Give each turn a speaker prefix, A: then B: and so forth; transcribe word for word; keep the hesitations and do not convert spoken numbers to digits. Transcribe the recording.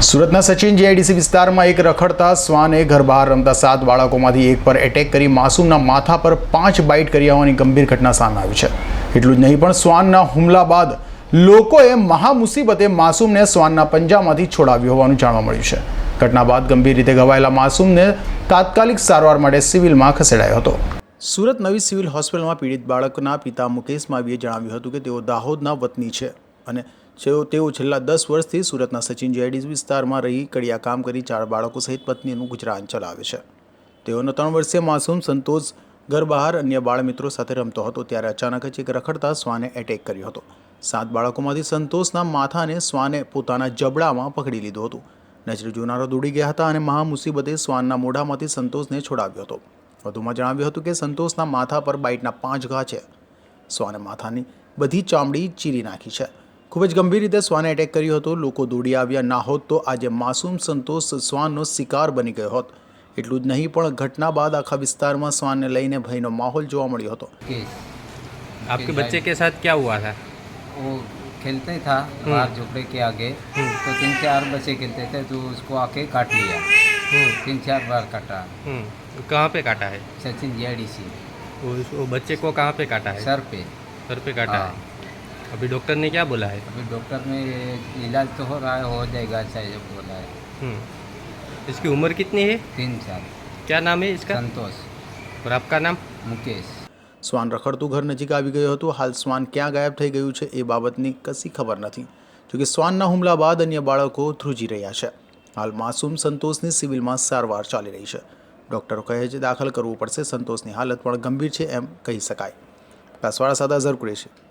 A: સુરતના સચિન જીઆઈડીસી વિસ્તારમાં એક રખડતા શ્વાને ઘર બહાર રમતા સાત બાળકોમાંથી એક પર એટેક કરી માસૂમના માથા પર પાંચ બાઇટ કરી હોવાની ગંભીર ઘટના સામે આવી છે। એટલું જ નહીં પણ શ્વાનના હુમલા બાદ લોકોએ મહા મુસીબતે માસૂમને શ્વાનના પંજામાંથી છોડાવ્યો હોવાનું જાણવા મળ્યું છે। ઘટના બાદ ગંભીર રીતે ઘવાયેલા માસૂમને તાત્કાલિક સારવાર માટે સિવિલમાં ખસેડાયો હતો। સુરત નવી સિવિલ હોસ્પિટલમાં પીડિત બાળકના પિતા મુકેશ માવીએ જણાવ્યું હતું કે તેઓ દાહોદના વતની છે અને તેઓ છેલ્લા દસ વર્ષથી સુરતના સચિન જીઆઈડીસી વિસ્તારમાં રહી કડિયા કામ કરી ચાર બાળકો સહિત પત્નીનું ગુજરાન ચલાવે છે। તેઓનો ત્રણ વર્ષીય માસૂમ સંતોષ ઘર બહાર અન્ય બાળમિત્રો સાથે રમતો હતો ત્યારે અચાનક જ એક રખડતા શ્વાને એટેક કર્યો હતો। સાત બાળકોમાંથી સંતોષના માથાને શ્વાને પોતાના જબડામાં પકડી લીધું હતું। નજરે જોનારો દોડી ગયા હતા અને મહા મુસીબતે શ્વાનના મોઢામાંથી સંતોષને છોડાવ્યો હતો। વધુમાં જણાવ્યું હતું કે સંતોષના માથા પર બાઇટના પાંચ ઘા છે। શ્વાને માથાની બધી ચામડી ચીરી નાખી છે। ખૂબ જ ગંભીર રીતે શ્વાને એટેક કર્યો હતો। લોકો દોડી આવ્યા ના હોત તો આજે માસૂમ સંતોષ શ્વાનનો શિકાર બની ગયો હોત। એટલું જ નહીં પણ ઘટના બાદ આખા વિસ્તારમાં શ્વાનને લઈને ભયનો માહોલ જોવા મળ્યો હતો।
B: आपके बच्चे के साथ क्या हुआ था?
C: वो खेलते ही था बाहर झोपड़े के आगे, तो तीन चार बच्चे खेलते थे तो उसको आके काट लिया। तीन चार बार काटा।
B: कहाँ पे काटा है?
C: सचिन जीआईडीसी।
B: वो, वो बच्चे को कहाँ पे काटा है?
C: सर पे।
B: सर पे काटा
C: हाँ।
B: है। अभी डॉक्टर ने क्या बोला है?
C: अभी डॉक्टर ने इलाज तो हो रहा है, हो जाएगा अच्छा ये बोला है।
B: हम्म। इसकी उम्र कितनी है?
C: तीन साल।
B: क्या नाम है इसका?
C: संतोष।
B: और आपका नाम?
C: मुकेश।
A: શ્વાન રખડતું ઘર નજીક આવી ગયું હતું। હાલ શ્વાન ક્યાં ગાયબ થઈ ગયું છે એ બાબતની કશી ખબર નથી। જોકે શ્વાનના હુમલા બાદ અન્ય બાળકો ધ્રુજી રહ્યા છે। હાલ માસૂમ સંતોષની સિવિલમાં સારવાર ચાલી રહી છે। ડૉક્ટરો કહે છે દાખલ કરવું પડશે। સંતોષની હાલત પણ ગંભીર છે એમ કહી શકાય। કાસવાડા સાથે અઝર કુરેશી।